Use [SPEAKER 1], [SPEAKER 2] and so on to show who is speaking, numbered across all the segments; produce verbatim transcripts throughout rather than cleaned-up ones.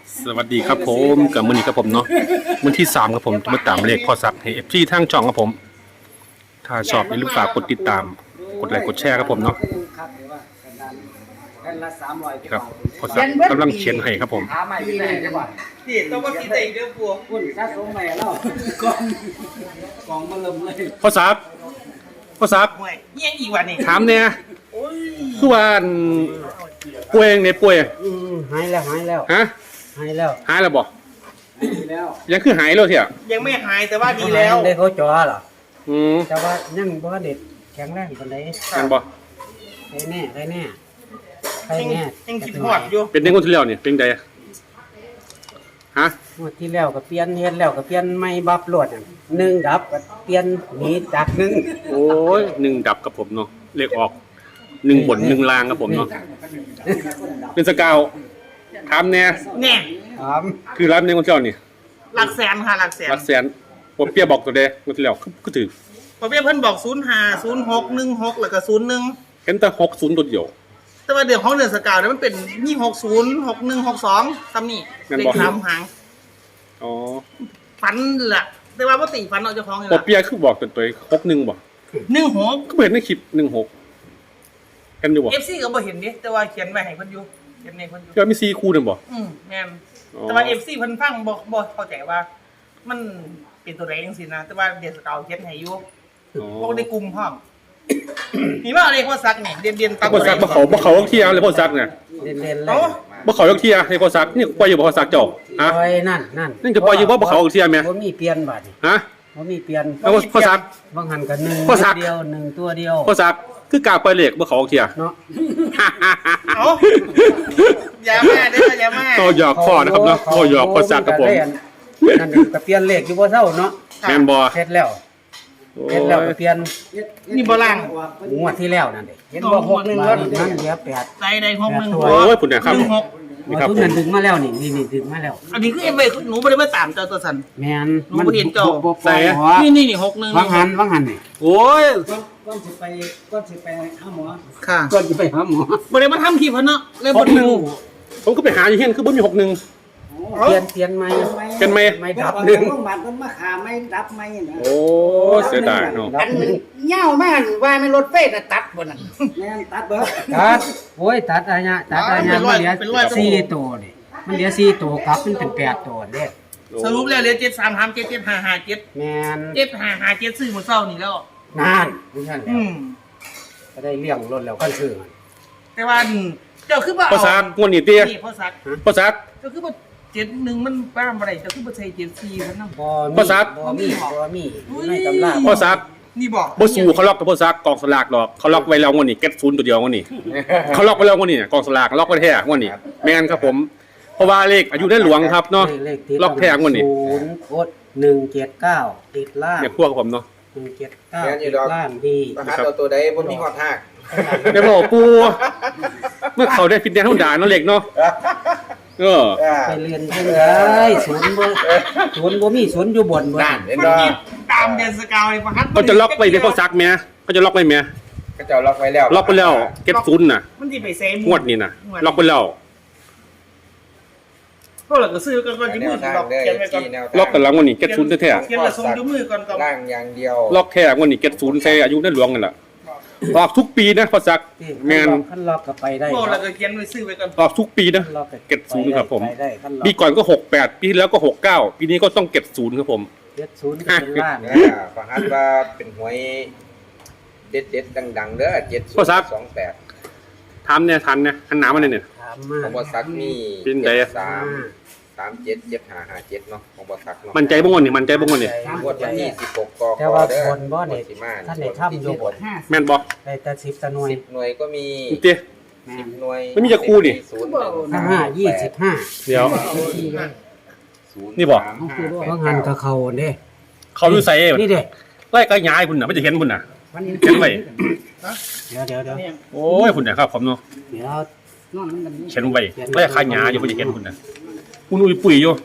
[SPEAKER 1] สวัสดีครับผมกับมือนี้ครับผมเนาะวันที่สามครับผมจะมาตามเลขพอสักให้เอฟซีทางช่องครับผมถ้าชอบอย่าลืมฝากกดติดตามกดไลค์กดแชร์ครับผมเนาะครับพอสักกำลังเขียนให้ครับผม
[SPEAKER 2] หาใหม่ที่ไหนดีกว่า
[SPEAKER 3] นี่ต้องมากินแต่อีกเรื่องพวก
[SPEAKER 2] คุณสะสมใหม่แล้วกองกองมาเริ่มเลย
[SPEAKER 1] พอสักพอสัก
[SPEAKER 3] ห่วยเยี่ยงอีกวันนี่
[SPEAKER 1] ถามเนี่ยคือว่าป่วยในป่วย
[SPEAKER 2] อืมหายแล้วหายแล้ว
[SPEAKER 1] ฮะ
[SPEAKER 2] หายแล้ว
[SPEAKER 1] หายแล้วบ่
[SPEAKER 2] หายแล้ว
[SPEAKER 1] ยังคือหายแล้วเถอะ
[SPEAKER 3] ยังไม่หายแต่ว่าดีแล้ว
[SPEAKER 2] ได้เขาจ่อเหรอ
[SPEAKER 1] อืม
[SPEAKER 2] แต่ว่ายังบ่เด็ดแข็งแรงปานใด
[SPEAKER 1] กันบ่
[SPEAKER 2] ได้แน่ได้แน่ได้
[SPEAKER 3] ยัง
[SPEAKER 2] แน่
[SPEAKER 3] ยังคิดหอดอยู่
[SPEAKER 1] เป็นเด็กคนที่แล้วนี่เป็นไงฮะ
[SPEAKER 2] งวดที่แล้วก็เปลี่ยนเฮ็ดแล้วก็เปลี่ยนไม่บับรวดอะหนึ่งดับก็เปลี่ยนหนีจากหนึ่ง
[SPEAKER 1] โอ้ยหนึ่งดับกับผมเนาะเลขออกหนึ่งบนหนึ่งลางกับผมเนาะเป็นสกาวถามเนี่ย
[SPEAKER 3] เนี่ย
[SPEAKER 2] ถาม
[SPEAKER 1] คือร้านในคนเจ้านี่
[SPEAKER 3] หลักแสนค่ะหลักแสน
[SPEAKER 1] รักแสนผมเปียบอกตัวเด้คนที่แล้วก็ถือ
[SPEAKER 3] พอเพี่เพิ่นบอกศูนย์ห้าศูนย์หกหนึ่งหกแล้วก็ศูนย์หนึ่ง
[SPEAKER 1] เห็นแต่หกศูนย์ตัวเดียว
[SPEAKER 3] แต่ว่าเดี๋ยวของเดือนสกาวเนี่ยมันเป็นมีหกศูนย์หกหนึ่งหกสองซ้ำนี่
[SPEAKER 1] งั้น
[SPEAKER 3] เล
[SPEAKER 1] บ
[SPEAKER 3] ข
[SPEAKER 1] อก
[SPEAKER 3] สามหาง
[SPEAKER 1] อ๋อ
[SPEAKER 3] ฟันแหละแต่ว่าปกติฟันเอาเจ้าของเลย
[SPEAKER 1] ผม
[SPEAKER 3] ล่ะ
[SPEAKER 1] เปียคือบอกตัวตัวหกหนึ่งบอก
[SPEAKER 3] หนึ่งหก
[SPEAKER 1] ก็เห็นในคลิปหนึ่งหกเห็นอยู่บอก
[SPEAKER 3] เอฟซีก็บ่เห็นดิแต่ว่าเขียนไว้ให้เพิ่นอยู่เขียนในเพิ่นอยู่
[SPEAKER 1] ก็มีซีคู่หนึ่งบอก
[SPEAKER 3] อืมแม่น
[SPEAKER 1] อ๋อ
[SPEAKER 3] แต่ว่าเอฟซีเพิ่นฟังบ่บ่เข้าใจว่า มันเป็นตัวใดจังซี่นะแต่ว่าเดือนสกาวเขียนให้อยู่
[SPEAKER 1] อ๋อ
[SPEAKER 3] พวกในกลุ่มพ่อม มีว่าอะไรพ่อซักเนี่ยเรียนเรียนตั
[SPEAKER 1] พ่อซักบ่เขาบ่เขาต้องเที่ยวเลยพ่อซักเนี่ย
[SPEAKER 2] เล่นๆเล
[SPEAKER 3] เอ้าย
[SPEAKER 1] บ่เขาต้องเที่ยวให้พ่อซักนี่ปล่อยอยู่บ่พ่อซักเจ้าฮะ
[SPEAKER 2] ปล่อยนั่นนั่น
[SPEAKER 1] นี่จะปล่อยอยู่บ่บ่เขาเที่ยวแม่
[SPEAKER 2] บ่มีเปลี่ยนบัดนี้
[SPEAKER 1] ฮะ
[SPEAKER 2] บ่มีเปลี่ยน
[SPEAKER 1] แล้วพ่อซัก
[SPEAKER 2] บางหันก็หนึ่ง
[SPEAKER 1] พ่อซัก
[SPEAKER 2] เดียวหนึ่งตัวเดียว
[SPEAKER 1] พ่อซักคือกล้าปล่อยเลขบ่เขาเที่ยว
[SPEAKER 2] เนาะ
[SPEAKER 3] เอ้าอย่ามาเด้ออย่ามา
[SPEAKER 1] ก็หยอกพ่อนะครับเนาะก็หยอกพ่อซักกับผม
[SPEAKER 2] นั่นนี่ก็เปลี่ยนเลขอยู่บ่เท่าเนาะ
[SPEAKER 1] แม่นบ่
[SPEAKER 2] เสร็จแล้ว
[SPEAKER 1] โอ้
[SPEAKER 2] เสร็จแล้วก็
[SPEAKER 1] ย
[SPEAKER 2] เปลี่ยน
[SPEAKER 3] นี่บ่ล่าง
[SPEAKER 2] งวดที่แล้วนั่นเด้เห็นบ่หกหนึ่งแล้วนั่นเหลือแปด
[SPEAKER 3] ใดใดหกหนึ่ง
[SPEAKER 1] โอ้ยพุ่นเนี่ยครับ
[SPEAKER 3] หนึ่งหก
[SPEAKER 1] นี่ครับ
[SPEAKER 2] ทุกนั้นดึงมาแล้วนี่นี่นี่ดึงมาแล้ว
[SPEAKER 3] อันนี้คือเอ็มเอหนูไม่ได้มาตามเจ้าตัวสัน
[SPEAKER 2] แม่น
[SPEAKER 3] หนูบ่เห็นเจ้า
[SPEAKER 2] บ่ปล่อยหัว
[SPEAKER 3] นี่นี่นี่หกหนึ่ง
[SPEAKER 2] วางหันวางหันนี่
[SPEAKER 1] โอ้ย
[SPEAKER 2] ก่อนสิไปก่อนสิไปหาหมอ
[SPEAKER 3] ค่ะ
[SPEAKER 2] ก่อนสิไปหาหมอ
[SPEAKER 3] บ่ได้มาทำคลิปเพิ่นเนาะเลย
[SPEAKER 1] ห
[SPEAKER 3] บ่
[SPEAKER 1] กหนึ่งผมก็ไปหาอยู่เฮียนคือบ่มีหกหนึ่ง
[SPEAKER 2] เปลี่ยนเปลี่ยนใหม่
[SPEAKER 1] เป็นไหม
[SPEAKER 2] ไม่ดับหนึ่ง
[SPEAKER 4] โรงพยาบาลมันมาขาไม่ดับไม่นะ
[SPEAKER 1] โอ้เสียดายเนาะ
[SPEAKER 2] ดั
[SPEAKER 3] อั
[SPEAKER 2] บ
[SPEAKER 3] น
[SPEAKER 2] หนึ่ง
[SPEAKER 3] เหย้ามากว่าไม่รถเฟสน่ะตัดบ่น่ะ
[SPEAKER 4] แม่นตัดเบิด
[SPEAKER 2] ตัดโอ้ยตัดอะไรเนี่ยตัดอะไรเนี่ย
[SPEAKER 3] เป็นร้
[SPEAKER 2] มั
[SPEAKER 3] อย
[SPEAKER 2] นเหลือ
[SPEAKER 3] เป็นร้อย
[SPEAKER 2] สี่ตัวนี่มันเหลือสี่ตัวครับมันเป็นแปดตัวเด้
[SPEAKER 3] สรุปแล้วเหลือเจ็ดสามสามเจ็ดเจ็ดห้าห้าเจ็ด
[SPEAKER 2] แม่น
[SPEAKER 3] เจ็ดห้าห้าเจ็ดซื้อมื้อเช้านี่แล้ว
[SPEAKER 2] นานนี่นั่นแหละ
[SPEAKER 3] อืม
[SPEAKER 2] ก็ได้เลี้ยงรถแล้วกันซื้อมัน
[SPEAKER 3] แต่ว่าเจ้าคือบ่
[SPEAKER 1] พ่อซักงวดนี้เตี้ย
[SPEAKER 3] นี่พ่อซัก
[SPEAKER 1] พ่อซัก
[SPEAKER 3] เจ้าคือบ่เจ็ดหนึ่งมันป้ามอะไรเจ้าคือบ่ใช่เจ็ดสี่เพิ่นนำ
[SPEAKER 2] บ่
[SPEAKER 1] พ่อซัก
[SPEAKER 2] บ่มีบ่มีในตำรา
[SPEAKER 1] พ่อซัก
[SPEAKER 3] นี่บอก
[SPEAKER 1] บ่สู้เขาล็อกกับพ่อซักกองสลากหรอกเขาล็อกไว้แล้วงวดนี้เก็ตศูนย์ตัวเดียวงวดนี้เขาล็อกไว้แล้วงวดนี้เนี่ยกองสลากล็อกไว้แท้งวดนี้ไม่งั้นครับผมเพราะว่าเลขอายุได้หลวงครับเนาะ
[SPEAKER 2] เลขที่
[SPEAKER 1] ล็อกแท้งวดนี้
[SPEAKER 2] ศูนย์โคตรหนึ่งเจ็ดเก้าติดล่าง
[SPEAKER 1] เนี่ยพวกผมเนาะ
[SPEAKER 2] หนึ่งเจ็ดเก้าติดล่างดี
[SPEAKER 5] ประหารตัวตัวใดบนมีหอดหัก
[SPEAKER 1] ได้บอกปูเมื่อเขาได้ฟิตเนสธรรมดาเนาะเล็กเนาะเออ
[SPEAKER 2] ไปเรียนจังไดศูนย์บ่ศูนย์บ่มีศูนย์อยู่บนบ่
[SPEAKER 5] นั่นเห็น
[SPEAKER 3] มัน
[SPEAKER 5] บ่
[SPEAKER 3] มีตามเดนสกาวเลยประหัต
[SPEAKER 1] เขาจะล็อกไว้ในพ่อซักแม่เขาจะล็อกไว้แม่
[SPEAKER 5] ก็เจ้าล็อกไว้แล้ว
[SPEAKER 1] ล็อกไปแล้วเก็ตศูนย์น่ะ
[SPEAKER 3] มันที่ไปเซม
[SPEAKER 1] งวดนี้น่ะล็อกไปแล้ว
[SPEAKER 3] พวกเราก็ซื้อกันก่อนที่
[SPEAKER 5] แน
[SPEAKER 3] มื
[SPEAKER 5] ว
[SPEAKER 3] อ
[SPEAKER 5] ทาง
[SPEAKER 3] ล็อก
[SPEAKER 5] เด้อ
[SPEAKER 3] เขียนไว้ก่อน
[SPEAKER 5] ที่แนวทาง
[SPEAKER 1] ล็อกกันแล้วงวดนี้เก็ตศูนย์แท้
[SPEAKER 3] เขียนละทรงด้วยมือก่อนก่อน
[SPEAKER 5] ล่างอย่างเดียว
[SPEAKER 1] ๆล็อกแค่งวดนี้เก็ตศูนย์ใช้อายุได้หลวงนั่นแหละออกทุกปีนะพ่อซักแมน
[SPEAKER 2] คันล็อกก็ไปได้
[SPEAKER 3] พวกเราก็เขียนไว้ซื้อไว้ก่อน
[SPEAKER 1] ออกทุกปีนะ
[SPEAKER 2] คันล็อก
[SPEAKER 1] เก็บศูนย์ครับผม
[SPEAKER 2] ไปได้คันล็อก
[SPEAKER 1] ปีก่อนก็หกแปดปีที่แล้วก็หกเก้าปีนี้ก็ต้องเก็บศูนย์ครับผม
[SPEAKER 2] เจ็ดศูนย์ก็เป็นล่าง
[SPEAKER 5] อ่าประหารว่าเป็นหวยเด็ดเด็ดๆดังๆเด้อเจ็ดศูนย์สองแปด
[SPEAKER 1] ทำเนี่ยทันเนี่ยทันน้ำมันเนี่ย
[SPEAKER 2] ถาม
[SPEAKER 5] ของ
[SPEAKER 2] มา
[SPEAKER 5] บอสักมี
[SPEAKER 1] เป็นไง
[SPEAKER 5] เจ็
[SPEAKER 1] อะ
[SPEAKER 5] ดสามสามเจ็ดเจ็ดห้าห้าเจ็ดเนาะของบอสักเนาะ
[SPEAKER 1] มันใจบ้างวันนี่มันใจบ้างวันนี่
[SPEAKER 5] งวดวันที่สิบหกก
[SPEAKER 2] แต่
[SPEAKER 5] ก
[SPEAKER 2] ว่า
[SPEAKER 5] เด้อบ
[SPEAKER 2] นบ่เนี่ย
[SPEAKER 5] งวดสิมา
[SPEAKER 2] ท่านได้ทำอยู่บน
[SPEAKER 1] แม่นบอก
[SPEAKER 2] ได้แต่สิบตะหน่วย
[SPEAKER 5] สิบหน่วยก็มี
[SPEAKER 1] เตี้ย
[SPEAKER 5] สิบหน่วย
[SPEAKER 1] ไม่มีจะคู่ดิ
[SPEAKER 5] ศูนย์หนึ่งสาม
[SPEAKER 2] ห้ายี่สิบห้า
[SPEAKER 1] เดี๋ยว
[SPEAKER 5] ศูย์
[SPEAKER 1] นี่บอก
[SPEAKER 5] สามห้า
[SPEAKER 2] บางหันก็เข้าเด้
[SPEAKER 1] เขาดูใส่
[SPEAKER 2] นี่เด้
[SPEAKER 1] ไล่กระยายคุณน่ะไม่จะเห็นคุณน่ะ
[SPEAKER 2] มัน
[SPEAKER 1] เห็นไว้
[SPEAKER 2] เดี๋ยวเดี๋ยวเดี๋ยว
[SPEAKER 1] โอ้ยคุณน่ะครับผมเนาะ
[SPEAKER 2] เดี๋ยวนอนมัน
[SPEAKER 1] เห็นไว้ไล่ขายหยาอยู่ไม่จะเห็นคุณน่ะคุณอุ้ยปุ๋ยอยู่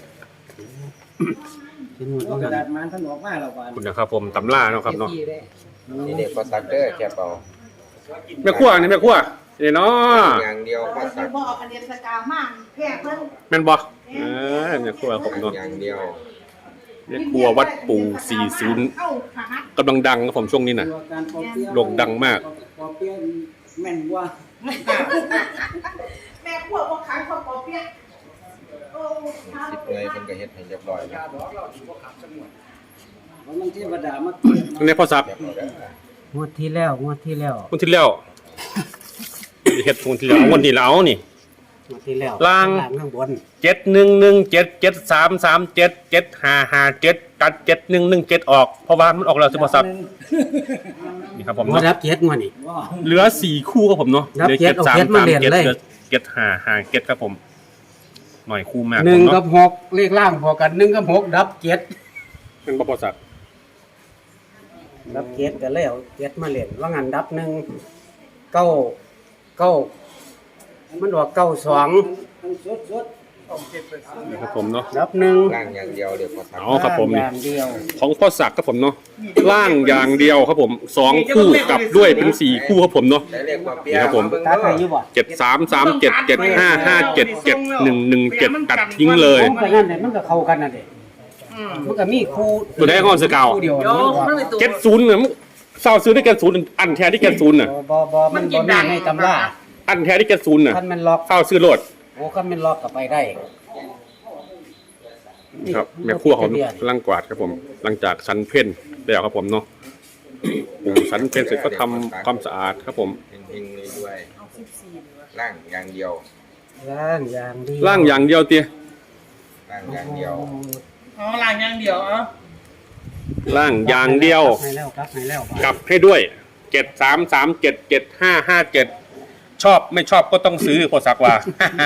[SPEAKER 2] เป็นหมด
[SPEAKER 4] เอา
[SPEAKER 2] บาง
[SPEAKER 4] กระ
[SPEAKER 2] หั
[SPEAKER 4] ดาน ษมันถนออกมาแล้วบาน
[SPEAKER 1] คุณนะครับผมตำล่าเนาะครับเนาะ
[SPEAKER 5] นี่เด็กบอสักเด้อแค่เปล่า
[SPEAKER 1] แม่ขั้วนี่แม่ขั้วนี่เนาะ
[SPEAKER 5] อย่างเดียวพ่อสัก
[SPEAKER 3] บ่เอาอันเดียนสกามากแพ้เพิ่น
[SPEAKER 1] แม่นบ่เออเนี่ยครัวผมเนาะ
[SPEAKER 5] อย่างเดียว
[SPEAKER 1] เนี่ยครัววัดปู่สี่สิบ
[SPEAKER 3] เอ้าค่ะฮะ
[SPEAKER 1] กำลังดังครับผมช่วงนี้น่ะ
[SPEAKER 4] ตัวการปอเปี๊ยะ
[SPEAKER 1] โด่งดังมาก
[SPEAKER 4] ปอเปี๊ยะแม่นกว่า
[SPEAKER 3] แม่พวกบ่ขายข้าวปอเปี๊ยะโอ้
[SPEAKER 5] สิบเลยเพิ่นก็เฮ็ดให้เรียบร้อยแล้ว
[SPEAKER 4] เพราะมันเทวดามาเกิด
[SPEAKER 1] อันนี้พ่อซัก
[SPEAKER 5] เรียบร้อยแล้ว
[SPEAKER 2] งวดที่แล้วงวดที่แล้ว
[SPEAKER 1] คนที่แล้วเฮ็ดคนที่แล้วเอาคนที่แล้วนี่
[SPEAKER 2] งวดที่แล้ว
[SPEAKER 1] ล่าง
[SPEAKER 2] ข้างบน
[SPEAKER 1] เจ็ดหนึ่งหนึ่งเจ็ดเจ็ดสามสามเจ็ดเจ็ดห้าห้าเจ็ดตัดเจ็ดหนึ่งหนึ่งเจ็ดออกเพราะว่ามันออกแล้วสิพ่อซักนี่ครับผม
[SPEAKER 2] มา
[SPEAKER 1] เนาะ
[SPEAKER 2] รับเจ็ดงวดนี่
[SPEAKER 4] ว่า
[SPEAKER 1] เหลือสี่คู่ครับผมเนาะ
[SPEAKER 2] นับ
[SPEAKER 1] เหลือ
[SPEAKER 2] เจ็ดเอาเจ็ดมาเรียนเลย
[SPEAKER 1] หลือเจ็ดห้าห้าเจ็ดครับผม หน่อยคู่มาก
[SPEAKER 2] หนึ่ง
[SPEAKER 1] ผม
[SPEAKER 2] กั
[SPEAKER 1] เนาะ
[SPEAKER 2] บหกเลขล่างพอกันหนึ่งกับหกดับเจ็ด
[SPEAKER 1] เป็นบ่พ่อซัก
[SPEAKER 2] ดับเจ็ดก็เลยเอาเจ็ดมาเล่นว่างั้นดับหนึ่งเก้าเก้ามันออกเก้าสอง
[SPEAKER 4] มันสดสด
[SPEAKER 1] นะครับผมเนาะ
[SPEAKER 2] ดับหนึ่ง
[SPEAKER 5] ร่างอย่างเดียวเดี๋ยวพ่อสัก
[SPEAKER 1] เอาครับผม
[SPEAKER 2] อ
[SPEAKER 1] นี่
[SPEAKER 2] ย่างเดียว
[SPEAKER 1] ของพ่อศักดิ์ครับผมเนาะล่างอย่างเดียวครับผมสองคู่กลับด้วยเป็นสี่คู่ครับผมเนาะ
[SPEAKER 5] ได้เลขปอเปี๊ยะ
[SPEAKER 1] นี่ครับผม
[SPEAKER 5] าเบิ่ง
[SPEAKER 2] ตัดไปอ
[SPEAKER 5] เด้
[SPEAKER 2] ยู่
[SPEAKER 5] อ
[SPEAKER 2] บ่
[SPEAKER 1] เจ็ดสามสามเจ็ดเจ็ดห้าห้าเจ็ดเจ็ดหนึ่งหนึ่งเจ็ดตัดทิ้งเลย
[SPEAKER 2] ผมก็นั่นแหละมันก็เข้ากันน่ะเด้
[SPEAKER 3] อืม
[SPEAKER 2] มันก็มีคู่
[SPEAKER 1] ตัวไหนของสกาว
[SPEAKER 2] คู่เดียว
[SPEAKER 3] โยมันเป็นตัว
[SPEAKER 1] เจ็ดศูนย์เนี่ยเศร้าซื้อได้แค่ศูนย์อันแท้ที่แค่ศูนย์น่ะ
[SPEAKER 2] บ่บ่บ่มันบ่มีในตำรา
[SPEAKER 1] อันแท้ที่แค่ศูนย์น่ะ
[SPEAKER 2] คันมันล็อก
[SPEAKER 1] เศร้าซื้อโลด
[SPEAKER 2] โอ้คันมันล็อกก็ไปได้
[SPEAKER 1] ครับแม่ครัวของลังกวาดครับผม หลังจากสันเพ่นแล้วครับผมเนาะปรุงสันเพ่นเสร็จก็ทำความสะอาดครับผม
[SPEAKER 5] เฮงๆเลยด้วยร่างอย่างเดียว
[SPEAKER 2] ล่างอย่างเดียว
[SPEAKER 1] ล่างอย่างเดียวเตี้ย
[SPEAKER 5] ร่างอย่างเดียว
[SPEAKER 3] อ๋อล่างอย่างเดียวเอ่ะ
[SPEAKER 1] ล่างอย่างเดียว
[SPEAKER 2] ให้แล้วครับให้แล้ว
[SPEAKER 1] กลับให้ด้วยเจ็ดสามสามเจ็ดเจ็ดห้าห้าเจ็ดชอบไม่ชอบก็ต้องซื้อพอสักว่า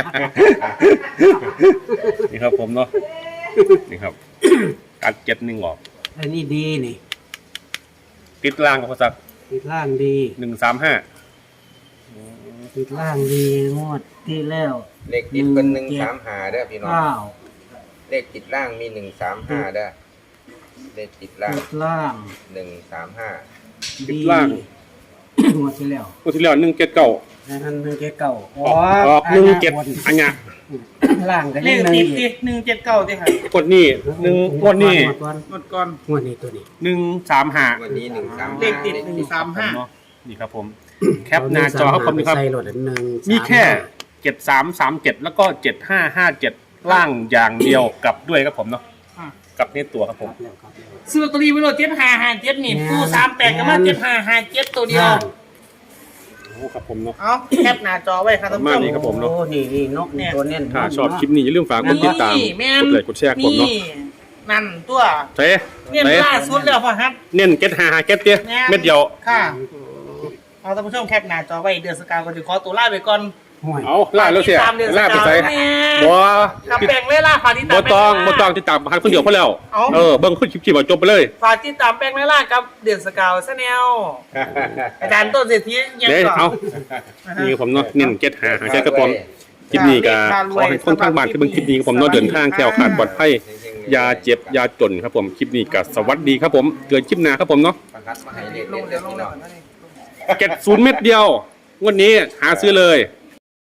[SPEAKER 1] นี่ครับผมเนาะนี่ครับกัดเจ็ดหนึ่งออก
[SPEAKER 2] อันนี้ดีนี่
[SPEAKER 1] ติดล่างกับพอสัก
[SPEAKER 2] ติดล่างดี
[SPEAKER 1] หนึ่งสามห้า
[SPEAKER 2] ติดล่างดีงวดที่แล้ว
[SPEAKER 5] เลขติดเป็นหนึ่งสามห้าเด้อพี่น้อง
[SPEAKER 2] เก้า
[SPEAKER 5] เลขติดล่างมีหนึ่งสามห้าเด้อเลขติดล่าง
[SPEAKER 2] ติดล่าง
[SPEAKER 5] หนึ่งสามห้า
[SPEAKER 1] ติดล่าง
[SPEAKER 2] งวดที่แล้ว
[SPEAKER 1] คนที่แล้วหนึ่งเจ็ดเก้า
[SPEAKER 2] อันนั้นหนึ่งเจ็ดเก้าอ
[SPEAKER 1] ออกออกหนึ่งเจ็ดอันเนี้ย
[SPEAKER 2] ล่างก็
[SPEAKER 3] เล
[SPEAKER 2] ยัง
[SPEAKER 3] ข
[SPEAKER 2] หนึ่ง
[SPEAKER 3] ติด
[SPEAKER 2] อี
[SPEAKER 3] ติ
[SPEAKER 2] ก
[SPEAKER 3] หนึ่งเจ็ดเก้าติค่ะ
[SPEAKER 1] กดนี่หนึ่งงวดนี่
[SPEAKER 2] งวดก่อน
[SPEAKER 3] หมดก่อน
[SPEAKER 2] งวดนี้ตัวนี้
[SPEAKER 1] หนึ่งสามห้า
[SPEAKER 5] วันนี้หนึ่งสาม
[SPEAKER 3] เลขติดหนึ่งสามห้า
[SPEAKER 1] เนาะนี่ครับผม แคปหน้าจอครับผมนะครับ
[SPEAKER 2] ใส่รถอันหนึ่ง
[SPEAKER 1] มีแค่เจ็ดสามสามเจ็ดแล้วก็เจ็ดห้าห้าเจ็ดล่างอย่างเดียวกลับด้วยครับผมเนาะ
[SPEAKER 3] อ่ะ
[SPEAKER 1] กลับนี่ตัวครับผม
[SPEAKER 3] ซื้อลอตเตอรี่ไว้โลดเจ็ดห้าห้าเจ็ดนี่ผู้สามแปดก็มาเจ็ดห้าห้าเจ็ดตัวเดียว
[SPEAKER 1] โอ้ครับผมเนาะ
[SPEAKER 3] เอาแคปหน้าจอไว้ครับท่านผู้ช
[SPEAKER 1] ประมาณ
[SPEAKER 3] ม
[SPEAKER 1] นี้ครับผมเนาะ
[SPEAKER 2] โอ้นี่นี่นกนี่ตัวเน้น
[SPEAKER 1] ถ้าชอบคลิปนี้อย่าลืมฝากกดติดตาม
[SPEAKER 3] นี่แม่น
[SPEAKER 1] กดไลค์กดแชร์ครับผมเนาะ
[SPEAKER 3] นี่นั่นตัว
[SPEAKER 1] เจ๊
[SPEAKER 3] เนี่ย
[SPEAKER 1] เจ๊
[SPEAKER 3] ล่าสุดแล้วพ่อฮัท
[SPEAKER 1] เน้นเก็ตหาหาเก็ตเตี้ย
[SPEAKER 3] แม่น
[SPEAKER 1] เม็ดเดียว
[SPEAKER 3] ค่ะเอาท่านผู้ชมแคปหน้าจอไว้เดือนสกาวก็จะขอตัวลาไปก่อน
[SPEAKER 2] ห่วย
[SPEAKER 1] เอาล่าแล้วเสีย
[SPEAKER 3] ติดตามเดือนส
[SPEAKER 1] ล่าก
[SPEAKER 3] าว
[SPEAKER 1] ไปใส่
[SPEAKER 3] แม่
[SPEAKER 1] บัว
[SPEAKER 3] กับแบ่งเวลาฝากติดตาม
[SPEAKER 1] บัวตอง
[SPEAKER 3] แบ่
[SPEAKER 1] บัว
[SPEAKER 3] เวลา
[SPEAKER 1] ตองติดตามหันคนเดียวพอแล้ว
[SPEAKER 3] เอา
[SPEAKER 1] เออเบิ้งขึ้นคลิปคลิปจบไปเลย
[SPEAKER 3] ฝากติดตามแป้งไม่ล่ากับเดือนสกาวซะแนวอาจารย์ต้นเศรษฐียัง
[SPEAKER 1] เดี๋ยว
[SPEAKER 3] ก่อน
[SPEAKER 1] เอานี่ครับผมเนาะเน้นเก็ตหาหาเก็ตครับผมคลิปนี้ก็ขอให้คนทางบ้านที่เบิ่งคลิปนี้ครับผมเนาะเดินทางแคล้วคลาดปลอดภัยอยาเจ็บอยาจนครับผมคลิปนี้ก็สวัสดีครับผมเกิดคลิปหน้าครับผมเนาะ
[SPEAKER 5] ประทัดมาให้เลข
[SPEAKER 3] ล
[SPEAKER 5] เด็
[SPEAKER 3] ง
[SPEAKER 5] ด
[SPEAKER 3] เดี๋
[SPEAKER 5] เด้
[SPEAKER 3] ย
[SPEAKER 5] อ
[SPEAKER 3] วลง
[SPEAKER 5] พี่
[SPEAKER 3] เดี๋
[SPEAKER 5] น้
[SPEAKER 3] ย
[SPEAKER 5] อ
[SPEAKER 3] ว
[SPEAKER 5] ง
[SPEAKER 1] เก็ตศูนย์เม็ดเดียวงวันนี้หาซื้อเลย